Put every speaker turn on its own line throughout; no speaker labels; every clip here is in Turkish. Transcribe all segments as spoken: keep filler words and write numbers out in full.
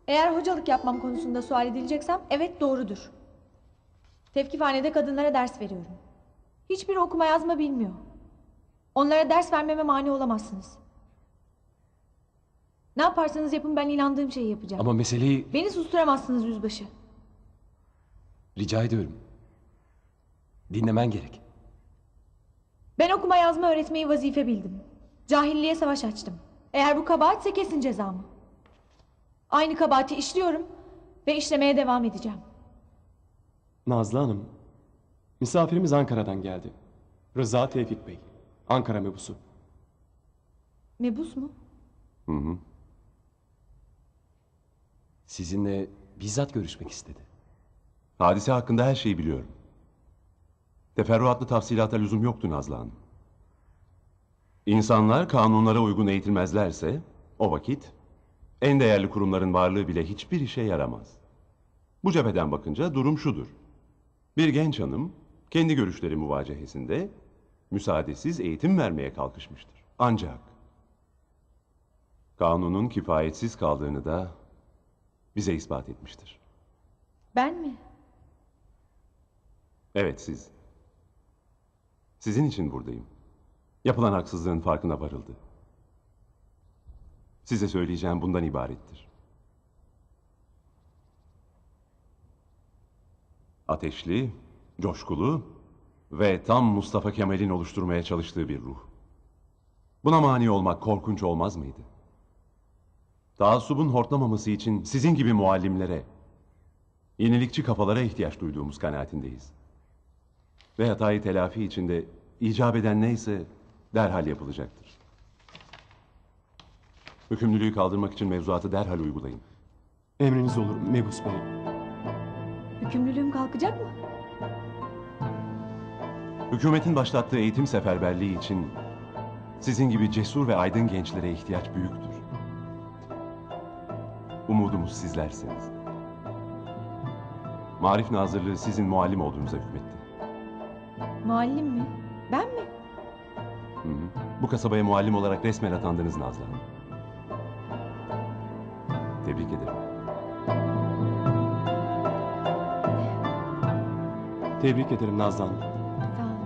Eğer hocalık yapmam konusunda sual edileceksem evet doğrudur. Tevkifhanede kadınlara ders veriyorum. Hiçbiri okuma yazma bilmiyor. Onlara ders vermeme mani olamazsınız. Ne yaparsanız yapın ben inandığım şeyi yapacağım.
Ama meseleyi...
Beni susturamazsınız yüzbaşı.
Rica ediyorum. Dinlemen gerek.
Ben okuma yazma öğretmeyi vazife bildim. Cahilliğe savaş açtım. Eğer bu kabahatse kesin cezamı. Aynı kabahati işliyorum ve işlemeye devam edeceğim.
Nazlı Hanım, misafirimiz Ankara'dan geldi. Rıza Tevfik Bey, Ankara mebusu.
Mebus mu?
Hı hı. Sizinle bizzat görüşmek istedi.
Hadise hakkında her şeyi biliyorum. Teferruatlı tafsilata lüzum yoktu Nazlı Hanım. İnsanlar kanunlara uygun eğitilmezlerse o vakit en değerli kurumların varlığı bile hiçbir işe yaramaz. Bu cepheden bakınca durum şudur. Bir genç hanım kendi görüşleri muvacehesinde müsaadesiz eğitim vermeye kalkışmıştır. Ancak kanunun kifayetsiz kaldığını da bize ispat etmiştir.
Ben mi?
Evet siz. Sizin için buradayım. Yapılan haksızlığın farkına varıldı. Size söyleyeceğim bundan ibarettir. Ateşli, coşkulu ve tam Mustafa Kemal'in oluşturmaya çalıştığı bir ruh. Buna mani olmak korkunç olmaz mıydı? Taassubun hortlamaması için sizin gibi muallimlere, yenilikçi kafalara ihtiyaç duyduğumuz kanaatindeyiz. Ve hatayı telafi içinde icap eden neyse derhal yapılacaktır. Hükümlülüğü kaldırmak için mevzuatı derhal uygulayın.
Emriniz olur mebus bey.
Hükümlülüğüm kalkacak mı?
Hükümetin başlattığı eğitim seferberliği için sizin gibi cesur ve aydın gençlere ihtiyaç büyüktür. Umudumuz sizlersiniz. Marif Nazırlığı sizin muallim olduğunuza hükmetti.
Muallim mi? Ben mi?
Hı hı. Bu kasabaya muallim olarak resmen atandınız Nazlı Hanım. Tebrik ederim.
Tebrik ederim Nazlı Hanım.
Sağ olun.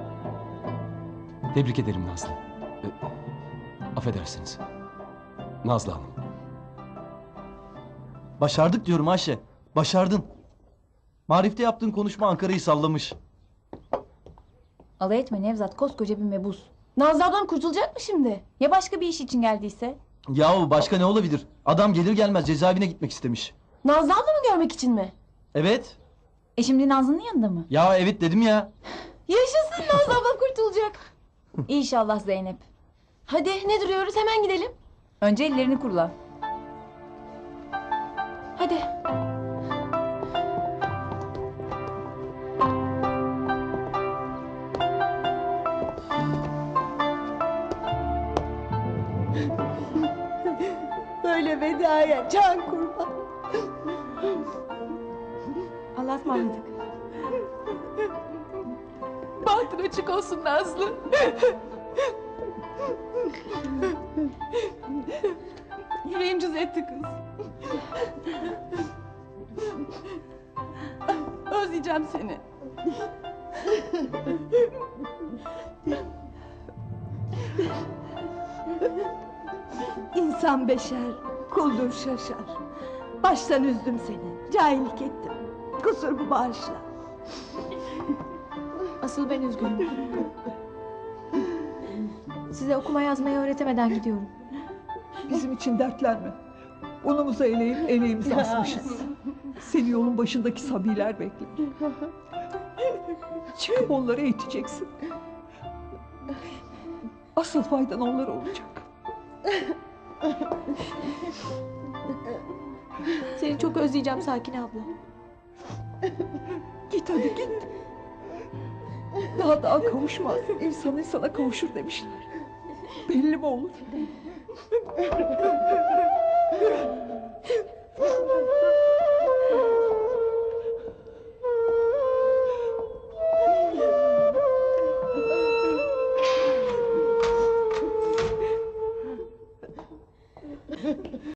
Tebrik ederim Nazlı. E, affedersiniz. Nazlı Hanım.
Başardık diyorum Ayşe. Başardın. Marif'te yaptığın konuşma Ankara'yı sallamış.
Alay etme Nevzat, koskoca bir mebus.
Nazlı ablam kurtulacak mı şimdi?
Ya başka bir iş için geldiyse?
Yahu başka ne olabilir? Adam gelir gelmez cezaevine gitmek istemiş.
Nazlı ablamı görmek için mi?
Evet.
E şimdi Nazlı'nın yanında mı?
Ya evet dedim ya.
Yaşasın, Nazlı ablam kurtulacak.
İnşallah Zeynep.
Hadi ne duruyoruz, hemen gidelim.
Önce ellerini kurula.
Hadi.
Böyle vedaya can kurban.
Allah'a ısmarladık.
Bahtın açık olsun Nazlı. Yüreğim cız etti kız. Özleyeceğim seni.
İnsan beşer, kuldur şaşar. Baştan üzdüm seni, cahillik ettim. Kusurumu bağışla.
Asıl ben üzgünüm. Size okuma yazmayı öğretemeden gidiyorum.
Bizim için dertlenme. Unumuza eleğip eleğimizi asmışız. Seni yolun başındaki sabiler bekler. Çıkıp onları eğiteceksin. Asıl faydan onlara olacak.
Seni çok özleyeceğim Sakine abla.
Git hadi git. Daha daha kavuşmaz. İnsan insana kavuşur demişler. Belli mi olur?